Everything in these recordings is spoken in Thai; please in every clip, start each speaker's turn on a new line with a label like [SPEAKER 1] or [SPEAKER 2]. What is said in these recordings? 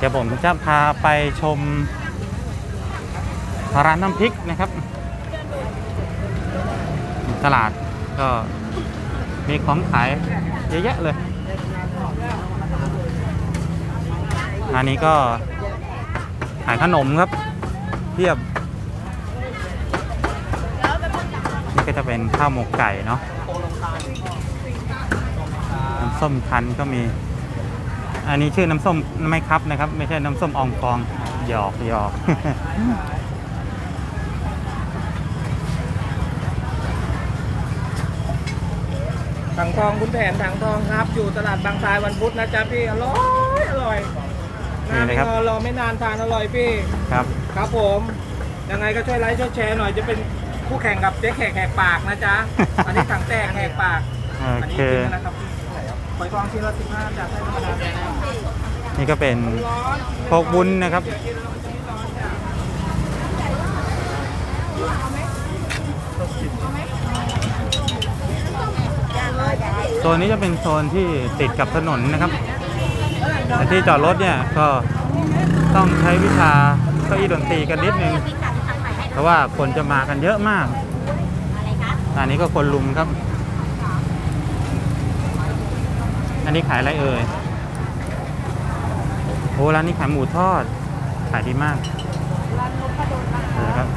[SPEAKER 1] ดี๋ยวผมจะพาไปชมร้านน้ำพริกนะครับตลาดก็มีของขายเยอะแยะเลยอันนี้ก็ขายขนมครับเทียบนี่ก็จะเป็นข้าวหมกไก่เนาะน้ำส้มคั้นก็มีอันนี้ชื่อน้ำส้มไม่ครับนะครับไม่ใช่น้ำส้มอองฟองหยอก
[SPEAKER 2] ถังทองคุณแผนถังทองครับอยู่ตลาดบางทรายวันพุธนะจ๊ะพี่อร่อยนานไม่รอรอไม่นานทานอร่อยพี่ครับผมยังไงก็ช่วยไลค์ช่วยแชร์หน่อยจะเป็นคู่แข่งกับเจ๊แขกแหกปากนะจ๊ะ อันนี้ถังแตกแหกปากอันนี้จริงนะครับหอยทองชิ้นละ15จากไส้ธรรมดา
[SPEAKER 1] นี่ก็เป็นโคกวุ้นนะครับโซนนี้จะเป็นโซนที่ติดกับถนนนะครับแต่ที่จอดรถเนี่ยก็ต้องใช้วิชาเก้าอี้ดนตรีกันนิดนึงเพราะว่าคนจะมากันเยอะมากอันนี้ก็คนลุมครับอันนี้ขายอะไรเอ่ยโอ้ร้านนี้ขายหมูทอดขายดีมากครับ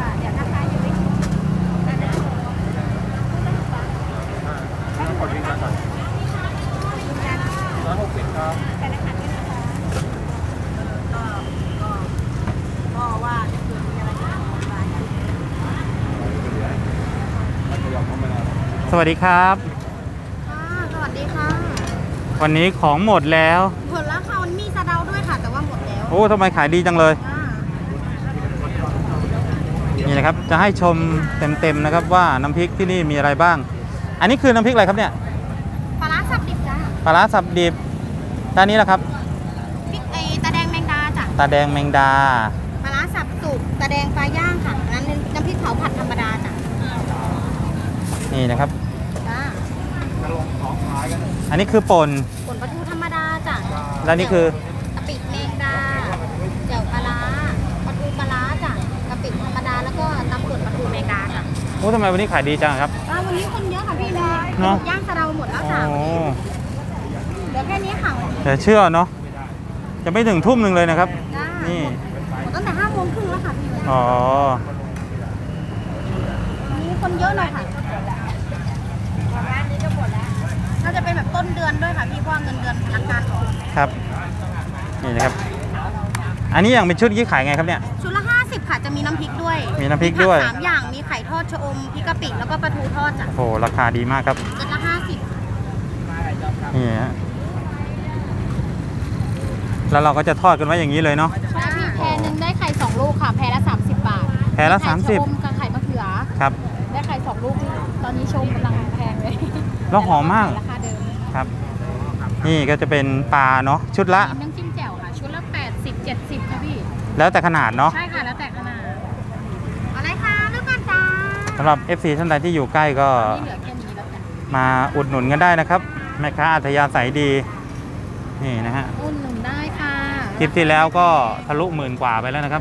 [SPEAKER 1] สวัสดีครับ
[SPEAKER 3] สวัสดีค่ะ
[SPEAKER 1] วันนี้ของหมดแล้ว
[SPEAKER 3] หมดแล้วค่ะมันมีสะเดาด้วยค่ะแต่ว่าหมดแล้ว
[SPEAKER 1] โอ้ทำไมขายดีจังเลยนี่นะครับจะให้ชมเต็มๆนะครับว่าน้ำพริกที่นี่มีอะไรบ้างอันนี้คือน้ำพริกอะไรครับเนี่ย
[SPEAKER 3] ปลาร้าสับดิบจ้ะ
[SPEAKER 1] ปลาร้าสับดิบด้านนี้แหละครับ
[SPEAKER 3] พริกตาแดงแมงดาจ้ะ
[SPEAKER 1] ตาแดงแมงดา
[SPEAKER 3] ปลาร้าสับสุกตาแดงปลาย่างค่ะนั้นน้ำพริกเผาผัดธรรมดาจ้ะ
[SPEAKER 1] นี่นะครับ
[SPEAKER 3] จ้า
[SPEAKER 1] อันนี้คือป่น
[SPEAKER 3] ปลาทูธรรมดาจ้ะ
[SPEAKER 1] แล้วนี่คือก
[SPEAKER 3] ะปิแมงดาเจียวปลาร้าปลาทูปลาร้าจ้ะกะปิธรรมดาแล้วก็ตำป่นปลาทูแมงดาจ้ะ
[SPEAKER 1] โอ้ทำไมวันนี้ขายดีจังครับ
[SPEAKER 3] วันนี้คนเยอะค่ะพี่เลยย่างสะเดาหมดแล้วค่ะเดี๋ยวแค่นี้ค่ะ
[SPEAKER 1] แต่เชื่อเนาะจะไม่ถึงทุ่มหนึ่งเลยนะครับนี่
[SPEAKER 3] ตั้งแต่5 โมงครึ่งแล้วค่ะพี่
[SPEAKER 1] อ๋อ
[SPEAKER 3] มีคนเยอะเลยค่ะร้านนี้ก็หมดแล้วน่าจะเป็นแบบต้นเดือนด้วยค่ะพี่เพราะเงินเดือนพนักงานออก
[SPEAKER 1] ครับนี่นะครับอันนี้อย่างเป็นชุดยี่ขายไงครับเนี่ย
[SPEAKER 3] ชุดละ50ค่ะจะมีน้ำพริกด้วย
[SPEAKER 1] มีน้ำพริกด้วย
[SPEAKER 3] 3 อย่างมีไข่ทอดชะอมพริกกะปิแล้วก็ปลาทูทอดจ้ะ
[SPEAKER 1] โอ้ราคาดีมากครับ
[SPEAKER 3] ชุดละ50
[SPEAKER 1] นี่ฮะแล้วเราก็จะทอดกันไว้อย่างนี้เลยเนาะ
[SPEAKER 3] ใช่พี่แพรนึงได้ไข่2 ลูกค่ะแพรละ30 บาท
[SPEAKER 1] แพรละ30
[SPEAKER 3] ชะอมกับไข่มะเขือ
[SPEAKER 1] ครับ
[SPEAKER 3] ได้ไข่2 ลูกตอนนี้ชมกำลังแพงเลย
[SPEAKER 1] แล้วหอมมาก
[SPEAKER 3] ราคาเดิม
[SPEAKER 1] ครับนี่ก็จะเป็นปลาเนาะชุดละ
[SPEAKER 3] น้ำจิ้มแจ่วค่ะชุดละ80-70ค่ะพี่
[SPEAKER 1] แล้วแต่ขนาดเนาะ
[SPEAKER 3] ใช่ค่ะแล้วแต่ขนาดอะไรคะเลือกกันจ้า
[SPEAKER 1] สำหรับ FC ท่านใดที่อยู่ใกล้ก็มาอุดหนุนกันได้นะครับแม่ค้าอัธยาศัยดีนี่นะฮะ
[SPEAKER 3] อุดหนุนได้ค่ะ
[SPEAKER 1] คลิปที่แล้วก็ทะลุ10,000 กว่าไปแล้วนะครับ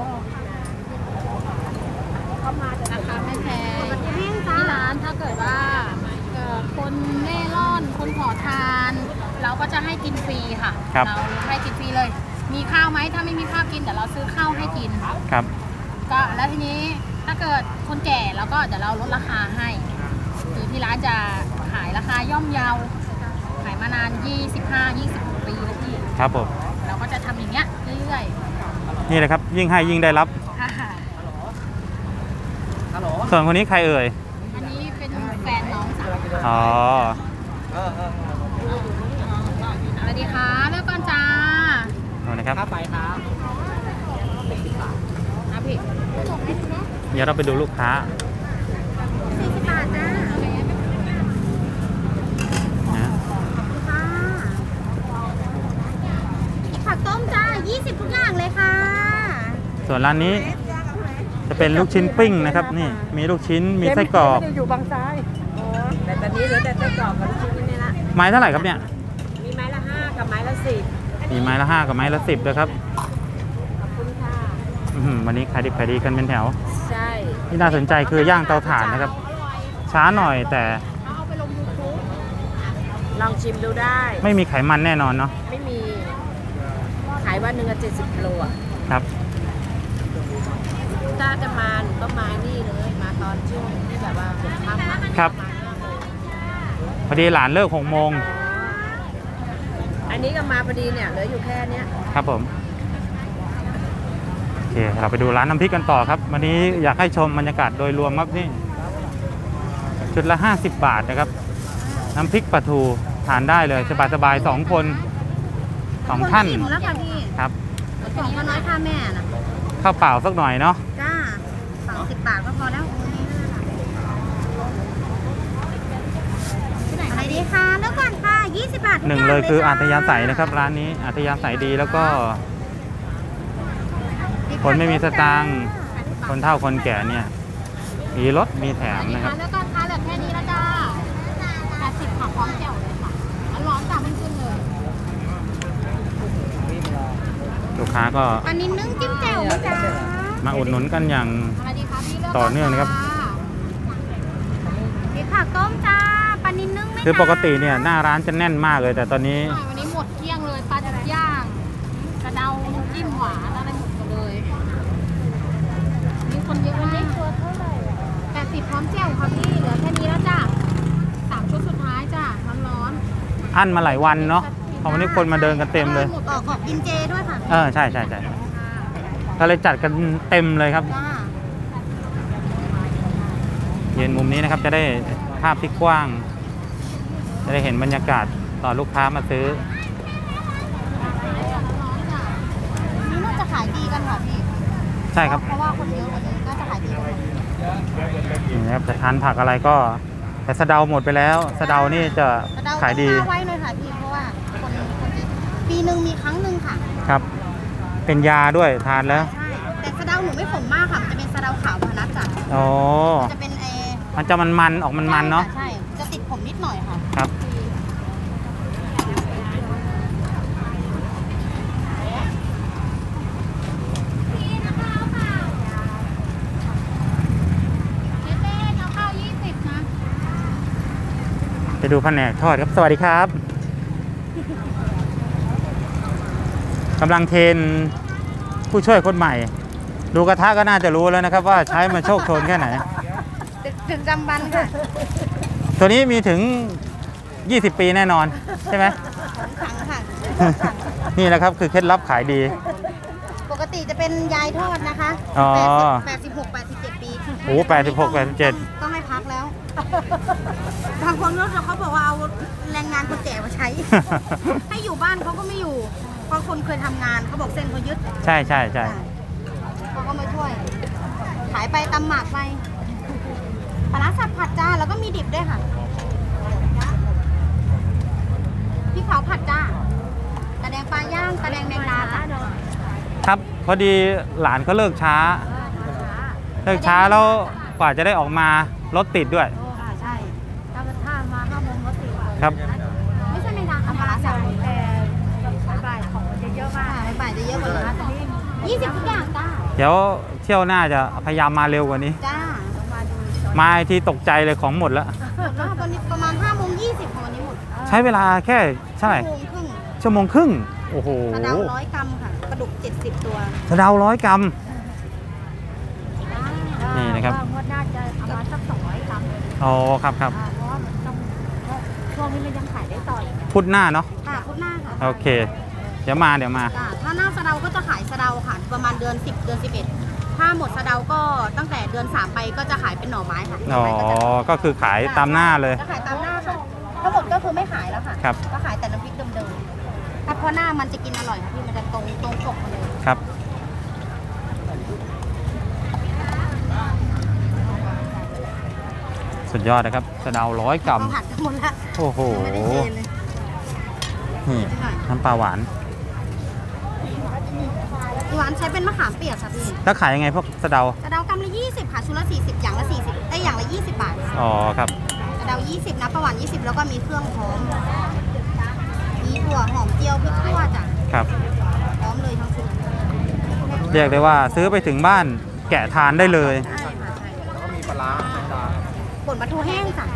[SPEAKER 3] เข้ามาราคาไม่แพงที่ร้านถ้าเกิดว่าคนเล่ร่อนคนขอทานเราก็จะให้กินฟรีค่ะเราให้กินฟรีเลยมีข้าวไหมถ้าไม่มีข้าวกินเดี๋ยวเราซื้อข้าวให้กิน
[SPEAKER 1] ครับ
[SPEAKER 3] ก็แล้วทีนี้ถ้าเกิดคนแก่แล้วก็เดี๋ยวเราลดราคาให้คือที่ร้านจะขายราคาย่อมเยาขายมานาน25-26 ปีแล้วพี่
[SPEAKER 1] ครับผม
[SPEAKER 3] เราก็จะทำอย่างเงี้ยเรื่อย
[SPEAKER 1] ๆนี่แหละครับยิ่งให้ยิ่งได้รับส่วนคนนี้ใครเอ่ย
[SPEAKER 3] อันนี้เป็นแฟนน้องสาว
[SPEAKER 1] อ๋อ
[SPEAKER 3] สวัสดีค่ะเลือกก่อนจ้า
[SPEAKER 1] สวัสดีครับ
[SPEAKER 2] ไปครับ
[SPEAKER 3] พี่
[SPEAKER 1] เดี๋ยวเราไปดูลูกค้า
[SPEAKER 3] 40 บาทจ้าผักต้มจ้า20ทุกอย่างเลยค่ะ
[SPEAKER 1] ส่วนร้านนี้จะเป็นลูกชิ้นปิ้งนะครับนี่มีลูกชิ้นมีไส้กรอก
[SPEAKER 2] อยู่บางซ้ายแต่ตอนนี้เหลือแต่ไส้กรอกกับลูกชิ้นนี่ละ
[SPEAKER 1] ไม้เท่าไหร่ครับเนี่ย
[SPEAKER 2] มีไม้ละ5กับไม้ละ10
[SPEAKER 1] มีไม้ละ 5กับไม้ละ 10ด้วยครับ
[SPEAKER 3] ขอบคุณค่ะ
[SPEAKER 1] วันนี้ขายดิบขายดีกันเป็นแถว
[SPEAKER 3] ใช่
[SPEAKER 1] ที่น่าสนใจคือย่างเตาถ่านนะครับ ช้าหน่อยแต่
[SPEAKER 3] เอาไปลง YouTube
[SPEAKER 4] ลองชิมดูได้
[SPEAKER 1] ไม่มีไขมันแน่นอนเนาะ
[SPEAKER 4] ไม่มี ขายวันหนึ่งอะ70 กิโลอ่ะ
[SPEAKER 1] ครับ
[SPEAKER 4] ถ้าจะมาหนูก็มานี่เลย มาตอนช่วงที่แบบว่าหัวค่ำอะ
[SPEAKER 1] ครับ พอดีหลานเลิก6 โมง
[SPEAKER 4] อันนี้ก็มาพอดีเนี่ยเหลืออยู่แค่เนี้ย
[SPEAKER 1] ครับผม โอเค เราไปดูร้านน้ำพริกกันต่อครับ วันนี้อยากให้ชมบรรยากาศโดยรวมครับนี่ ชุดละ 50 บาทนะครับ น้ำพริกปลาทูทานได้เลยสบายๆ2 คน 2 ท่าน
[SPEAKER 3] อิ่มแล้วค่ะพี่
[SPEAKER 1] ครับ
[SPEAKER 3] ของก็น้อยค่าแม่น่ะ
[SPEAKER 1] ข้าวเปล่าสักหน่อยเนาะ
[SPEAKER 3] จ้า30 บาทก็พอแล้วอะไรดีคะแล้วก่อนค่ะ20 บาททุก
[SPEAKER 1] หนึ่ง
[SPEAKER 3] าง
[SPEAKER 1] เลยคืออัธยาศัย
[SPEAKER 3] จ้
[SPEAKER 1] นะครับ ร้านนี้อัธยาศัยดีแล้วก็ คนไม่มีสตางค์คนเฒ่าคนแก่เนี่ยมีรถมีแถมนะครับ
[SPEAKER 3] แล้วก็ค้าเหลือแค่นี้แล้วจ้า80ค่ะพร้อมแจ่วเลยค่ะร้อนๆจ้าไม่ขึ้นเลย
[SPEAKER 1] ลูกค้าก็
[SPEAKER 3] อันนี้นึ่งจิ้มแจ่วไหมจ้า
[SPEAKER 1] มาอุดหนุนกันอย่าง
[SPEAKER 3] อะไรดีคะพี่เลือก
[SPEAKER 1] ต่อเนื่องนะครับ
[SPEAKER 3] นี่ผักต้มจ้าปลานิลนึ่งไหม
[SPEAKER 1] คือปกติเนี่ยหน้าร้านจะแน่นมากเลย แต่ตอนนี้
[SPEAKER 3] วันนี้หมดเกลี้ยงเลยปลาดุกย่างกระเดาจิ้มหวานอะไรหมดเลยมีคนเยอะมากตัวเท่าไหร่80พร้อมแจ่วค่ะพี่เหลือแค่นี้แล้วจ้า3 ชุดสุดท้ายจ้าร้อน
[SPEAKER 1] อั้นมาหลายวันเนาะเพราะวันนี้คนมาเดินกันเต็มเลย
[SPEAKER 3] หมดออกกินเจด้วยค่ะ
[SPEAKER 1] ใช่ใช่ใช่ก็เลยจัดกันเต็มเลยครับ
[SPEAKER 3] จ้า
[SPEAKER 1] ยืนมุมนี้นะครับจะได้ภาพที่กว้าง จะได้เห็นบรรยากาศตอนลูกค้ามาซื้อ
[SPEAKER 3] นี่น่าจะขายดีกันค่ะพี่
[SPEAKER 1] ใช่ครับ
[SPEAKER 3] เพราะว่าคนเยอะวันนี้น่าจะขายดีกัน
[SPEAKER 1] นี่นะครับจะทานผักอะไรก็แต่สะเดาหมดไปแล้วสะเดานี่จะขายดี
[SPEAKER 3] ต้องไว้เลยค่ะพี่เพราะว่าคนจะปีหนึ่งมีครั้งหนึ่งค่ะ
[SPEAKER 1] ครับ เป็นยาด้วยทานแล้ว
[SPEAKER 3] ใช่แต่สะเดาหนูไม่ขมมากค่ะมันจะเป็นสะเดาขาวพนัสจ้ะ
[SPEAKER 1] อ๋อ
[SPEAKER 3] จะเป็น
[SPEAKER 1] มันจะมันๆออกมันๆเนาะ
[SPEAKER 3] ใช่จะติดผมนิดหน่อยค่ะ
[SPEAKER 1] ครับ
[SPEAKER 3] เจ๊เอาข้าว20นะ
[SPEAKER 1] ไปดูแผนกทอดครับ สวัสดีครับกำลังเทรนผู้ช่วยคนใหม่ ดูกระทะก็น่าจะรู้แล้วนะครับ ว่าใช้มาโชคโชนแค่ไหน
[SPEAKER 3] ถึงจำบันค่ะ
[SPEAKER 1] ตัวนี้มีถึง 20 ปีแน่นอนใช่ไหม
[SPEAKER 3] ขังค่ะ
[SPEAKER 1] นี่แหละครับคือเคล็ดลับขายดี
[SPEAKER 3] ปกติจะเป็นยายทอดนะคะ
[SPEAKER 1] อ๋อ
[SPEAKER 3] 86 87 ปี
[SPEAKER 1] โอ้86 87
[SPEAKER 3] ต้องให้พักแล้วบางคนเขาบอกว่าเอาแรงงานคนแก่มาใช้ ให้อยู่บ้านเขาก็ไม่อยู่ เพราะคนเคยทำงานเขาบอกเส้นเขายึด
[SPEAKER 1] ใช่ใช่ใช่
[SPEAKER 3] เขาก็มาช่วย ขายไปตำหมากไปปลาร้าสับผัดจ้าแล้วก็มีดิบด้วยค่ะพริกเผาผัดจ้าตะแดงปลาย่างตะแดงแมงดาจ้า
[SPEAKER 1] ครับพอดีหลานเขาเลิกช้าแล้วกว่าจะได้ออกมารถติดด้วย
[SPEAKER 3] ใช่ถ้ามา5 โมงก็ติด
[SPEAKER 1] ครับ
[SPEAKER 3] ไม่ใช่แมงดาค่ะปลาร้าสับแต่บ่ายของมันจะเยอะมากบ่ายจะเยอะกว่านี้20 ทุกอย่างจ้า
[SPEAKER 1] เดี๋ยวเที่ยวหน้าจะพยายามมาเร็วกว่านี้
[SPEAKER 3] จ้ามาดู
[SPEAKER 1] มาอีกที่ตกใจเลยของหมดแล้ว
[SPEAKER 3] วันนี้ประมาณ5 โมง 20ของวันนี้หมด
[SPEAKER 1] ใช้เวลาแค่เท่าไหร่
[SPEAKER 3] ชั่วโมงครึ่ง
[SPEAKER 1] 1 ชั่วโมงครึ่งโอ้โห
[SPEAKER 3] กระเดา100 กรัมค่ะปลาดุก70 ตัว
[SPEAKER 1] สะเดา100 กรัม นี่นะครับ
[SPEAKER 3] งวดหน้าจะประมาณสัก200 กรัม
[SPEAKER 1] อ๋อครับครับ
[SPEAKER 3] เพราะว่ามันต้องช่วงนี้มันยังขายได้ต่ออีก
[SPEAKER 1] พุธหน้าเนาะ
[SPEAKER 3] ค่ะพุธหน้าค่ะ
[SPEAKER 1] โอเค เดี๋ยวมา
[SPEAKER 3] จ้ะถ้าหน้าสะเดาก็จะขายสะเดาค่ะประมาณเดือน10 เดือน 11 ถ้าหมดสะเดาก็ตั้งแต่เดือน3ไปก็จะขายเป็นหน่อไม้ค่ะหน่
[SPEAKER 1] อ๋อ
[SPEAKER 3] ไม้ก็จะ
[SPEAKER 1] ก็คือขายตามหน้าเลย
[SPEAKER 3] จะขายตามหน้าค่ะทั้งหมดก็คือไม่ขายแล้วค่ะ
[SPEAKER 1] ครับ
[SPEAKER 3] ก็ขายแต่น้ำพริกเดิมๆถ้าเพราะหน้ามันจะกินอร่อยค่ะพี่มันจะตรงปกมาเลย
[SPEAKER 1] ครับ สุดยอดนะครับสะเดา100 กรัม
[SPEAKER 3] เขาผัดกันหมดแล้ว
[SPEAKER 1] โอ้โห
[SPEAKER 3] ไม่ได้เทเลย
[SPEAKER 1] นี่น้ำปลาหวาน
[SPEAKER 3] หวานใช้เป็นมะขามเปียกค่ะพี่
[SPEAKER 1] แล้วขายยังไงพวกสะเดา
[SPEAKER 3] กระเดากำละ20ค่ะชุดละ40อย่างละ40อย่างละ20 บาท
[SPEAKER 1] อ๋อครับ
[SPEAKER 3] กระเดา20นะประหวาน20แล้วก็มีเครื่องพร้อมมีถั่วหอมเจียวพริกขั่วจ้ะ
[SPEAKER 1] ครับเรียกได้ว่าซื้อไปถึงบ้านแกะทานได้เลย
[SPEAKER 3] ใช่ค่ะใช่
[SPEAKER 2] แล้วก็มีปลาร้าธรรมดา
[SPEAKER 3] ป่นปลาทูแห้งจ้ะ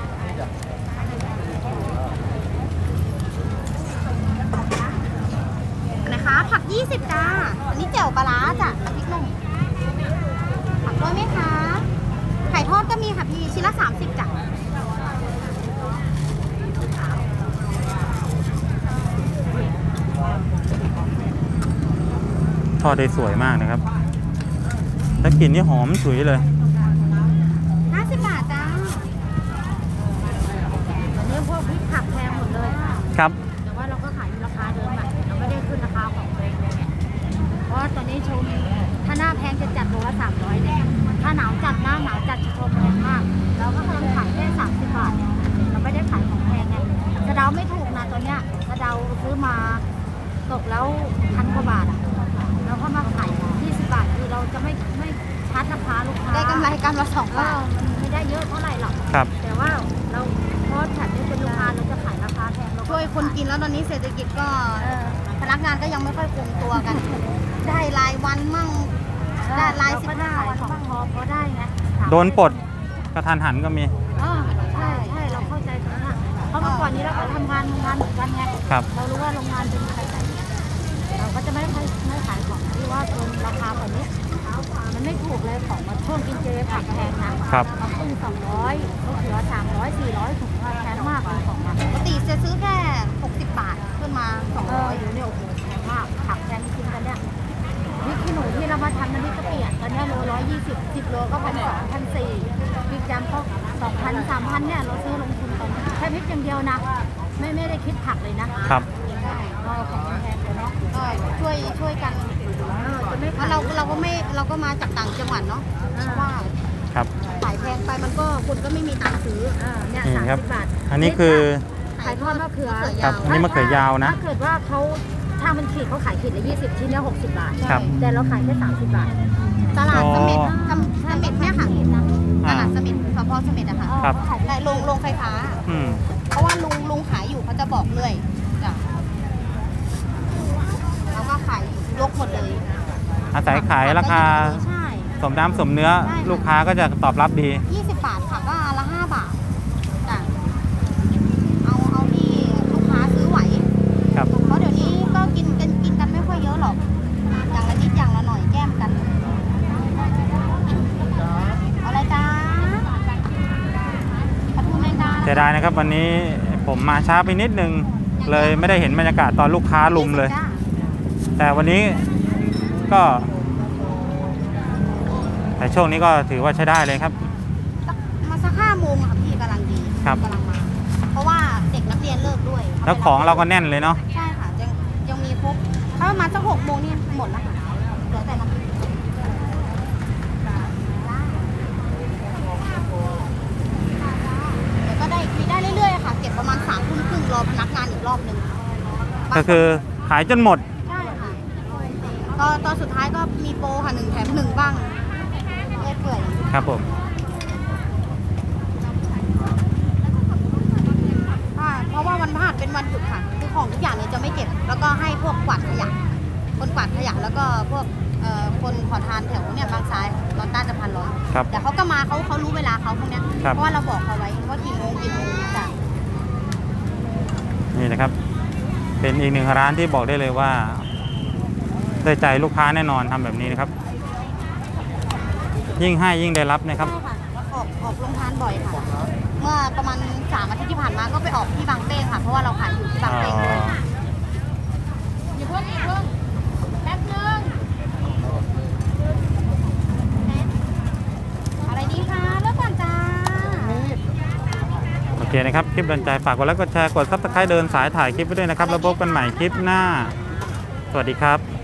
[SPEAKER 3] อะไรคะผัก20จ้าอันนี้แจ่วปลาร้าจ้ะพริกหนุ่มผักด้วยไหมคะไข่ทอดก็มีค่ะพี่ชิ้นละ30จ้ะ
[SPEAKER 1] ทอดได้สวยมากนะครับแล้วกลิ่นนี่หอมฉุยเลย
[SPEAKER 3] 50 บาทจ้าอันนี้พวกพริกผักแพงหมดเลย
[SPEAKER 1] ครับ
[SPEAKER 3] แต่ว่าเราก็ขายในราคาเดิมอะเราไม่ได้ขึ้นราคาของตัวเองเลยเนี่ยเพราะว่าตอนนี้ชมถ้าหน้าแพงจะจัดโลละ300เนี่ยถ้าหนาวจัดหน้าหนาวจัดชมแพงมากเราก็กำลังขายแค่30 บาทเนี่ยเราไม่ได้ขายของแพงไงกระเดาไม่ถูกนะตัวเนี้ยกระเดาซื้อมาตกแล้ว1,000 กว่าบาทอะเราก็มาขาย20 บาทคือเราจะไม่ชาร์จราคาลูกค้าได้กำไรกำละ2 บาทมันไม่ได้เยอะเท่าไหร่หรอก
[SPEAKER 1] ครับ
[SPEAKER 3] แต่ว่าเราเพราะฉันเนี่ยเป็นลูกค้าเราจะขายราคาแพงเราช่วยคนกินแล้วตอนนี้เศรษฐกิจก็พนักงานก็ยังไม่ค่อยคงตัวกัน ได้รายวันมั่งได้ราย15 วันมั่งพอได้ไง
[SPEAKER 1] โดนปลดกระทันหันก็มี
[SPEAKER 3] ใช่ใช่เราเข้าใจตรงนั้นเพราะเมื่อก่อนนี้เราก็ทำงานเหมือนกันไง
[SPEAKER 1] ครับ
[SPEAKER 3] เรารู้ว่าโรงงานเป็นใครแต่เราก็จะไม่ขายของที่ว่าเป็นราคาแบบนี้มันไม่ถูกเลยของมาช่วงกินเจผักแพงนะครับ มาขึ้น200ก็เหลือ300 400ถุงแพงมากเลยของมันปกติจะซื้อแค่60 บาทขึ้นมา200อยู่เนี่ยโอ้โหแพงมากผักแพงจริงกันเนี่ยพริกขี้หนูที่เรามาทำน้ำพริกกะปิตอนนี้โล120 10 โลก็1,200 1,400พริกจำก็2,000 3,000เนี่ยเราซื้อลงทุนตอนแค่พริกอย่างเดียวนะไม่ได้คิดผักเลยนะครับ ก็ของแพงเลยเนาะก็ช่วยกันจะไม่เราก็มาจากต่างจังหวัดเนาะเพราะว่า
[SPEAKER 1] ครับ
[SPEAKER 3] ขายแพงไปมันก็คนก็ไม่มีตังค์ซื้อเนี่ย
[SPEAKER 1] นี่ครับ
[SPEAKER 3] 30 บาท
[SPEAKER 1] อันนี้คือ
[SPEAKER 3] ขายทอดมะเขือ
[SPEAKER 1] ครับอันนี้มะเขือยาวนะ
[SPEAKER 3] ถ้าเกิดว่าถ้ามันขีดเขาขายขีดละ20ชิ้นเนี่ย60 บาท
[SPEAKER 1] ครับ
[SPEAKER 3] แต่เราขายแค่30 บาทตลาดเสม็ดเนี่ยค่ะตลาดเสม็ดสพเสม็ดอะค่ะ
[SPEAKER 1] ครับ
[SPEAKER 3] ได้โรงไฟฟ้า
[SPEAKER 1] อืม
[SPEAKER 3] เพราะว่าลุงขายอยู่เขาจะบอกเลยจ้ะเราก็ขายยกหมดเลย
[SPEAKER 1] อาศัยขายราคา
[SPEAKER 3] ใช่
[SPEAKER 1] สมน้ำสมเนื้อ
[SPEAKER 3] ใช่ค่ะ
[SPEAKER 1] ลูกค้าก็จะตอบรับดี
[SPEAKER 3] 20 บาทค่ะก็ละ5 บาทจ้ะเอาที่ลูกค้าซื้อไหว
[SPEAKER 1] ครับ
[SPEAKER 3] เพราะเดี๋ยวนี้ก็กินกันไม่ค่อยเยอะหรอก อย่างละนิดอย่างละหน่อยแก้มกันเอาอะไรจ้าปลาทูแมงดา
[SPEAKER 1] เสียดายนะครับวันนี้ผมมาช้าไปนิดนึง เลยไม่ได้เห็นบรรยากาศตอนลูกค้าลุมเลย
[SPEAKER 3] จ้า
[SPEAKER 1] แต่วันนี้ก็แต่ช่วงนี้ก็ถือว่าใช้ได้เลยครับ
[SPEAKER 3] มาสัก5 โมงอะค่ะพี่กำลังดี
[SPEAKER 1] ครับ
[SPEAKER 3] กำลังมา เพราะว่าเด็กนักเรียนเลิกด้วย
[SPEAKER 1] แล้วของเราก็แน่นเลยเนาะ
[SPEAKER 3] ใช่ค่ะยังมีครบถ้าประมาณสัก6 โมงนี่หมดแล้วค่ะเหลือแต่น้ำพริกเดี๋ยวก็ได้มีได้เรื่อยๆค่ะ เก็บประมาณ3 ทุ่มครึ่งรอพนักงานอีกรอบหนึ่ง
[SPEAKER 1] ก็คือขายจนหมด
[SPEAKER 3] ใช่ค่ะตอนสุดท้ายก็มีโปรค่ะ1 แถม 1 บ้างเปื่อย
[SPEAKER 1] ครับผม
[SPEAKER 3] เพราะว่าวันพฤหัสเป็นวันหยุดค่ะคือของทุกอย่างเนี่ยจะไม่เก็บ แล้วก็ให้พวกกวาดขยะคนกวาดขยะแล้วก็พวกคนขอทานแถวเนี่ยบางซ้ายตอนต้านสะพานลอย
[SPEAKER 1] ครับ
[SPEAKER 3] แต่เขาก็มาเขารู้เวลาเขาพวกเนี้ย
[SPEAKER 1] ครับ
[SPEAKER 3] เพราะว่าเราบอกเขาไว้ว่ากี่โมงจ้ะ
[SPEAKER 1] นี่นะครับ เป็นอีกหนึ่งร้านที่บอกได้เลยว่าได้ใจลูกค้าแน่นอนทำแบบนี้นะครับ ยิ่งให้ยิ่งได้รับนะครับ
[SPEAKER 3] ใช่ค่ะออกโรงทานบ่อยค่ะ เมื่อประมาณ3 อาทิตย์ที่ผ่านมาก็ไปออกที่บางเป้งค่ะ เพราะว่าเราขายอยู่ที่บางเป้งด้วยอย่าเพิ่งแป๊บนึงอะไรดีคะเลิกก่อนจ้า
[SPEAKER 1] โอเคนะครับ คลิปโดนใจฝากกดไลค์กดแชร์กดซับสไครต์เดินสายถ่ายคลิปไปด้วยนะครับแล้วพบกันใหม่คลิปหน้า สวัสดีครับ